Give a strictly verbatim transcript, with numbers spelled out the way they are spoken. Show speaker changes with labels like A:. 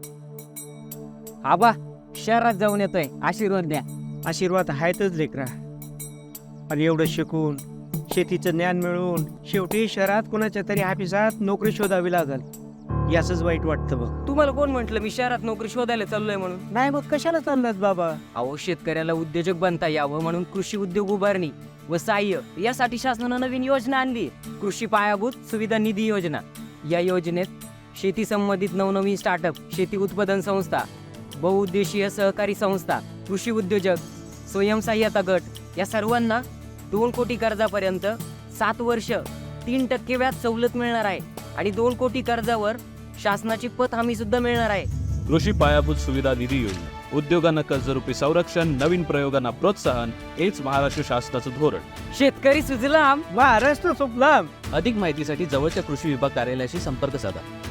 A: आबा शहरात जाऊन येतोय, आशीर्वाद द्या.
B: आशीर्वाद आहेतच लेकरा. आणि एवढं शिकून शेतीचं ज्ञान मिळवून शेवटी शहरात कोणाच्या तरी ऑफिसात नोकरी शोधावी लागल, याचंच वाईट वाटतं बघ.
A: तुम्हाला कोण म्हटलं मी शहरात नोकरी शोधायला चाललोय म्हणून?
B: नाही मग कशाला चाललात बाबा?
A: अहो, शेतकऱ्याला उद्योजक बनता यावं म्हणून कृषी उद्योग उभारणी व सहाय्य यासाठी शासनानं नवीन योजना आणली, कृषी पायाभूत सुविधा निधी योजना. या योजनेत शेती संबंधित नवनवीन स्टार्टअप, शेती उत्पादन संस्था, बहुउद्देशीय सहकारी संस्था, कृषी उद्योजक, स्वयंसहाय्यता गट या सर्वांना दोन कोटी कर्जापर्यंत सात वर्ष तीन टक्के व्याज सवलत मिळणार आहे आणि दोन कोटी कर्जावर शासनाची पत हमी सुद्धा मिळणार आहे.
C: कृषी पायाभूत सुविधा निधी योजना, उद्योगांना कर्जरूपी संरक्षण, नवीन प्रयोगांना प्रोत्साहन, हेच महाराष्ट्र शासनाचं धोरण.
A: शेतकरी सुजलाम,
B: महाराष्ट्र सुफलाम.
C: अधिक माहितीसाठी जवळच्या कृषी विभाग कार्यालयाशी संपर्क साधा.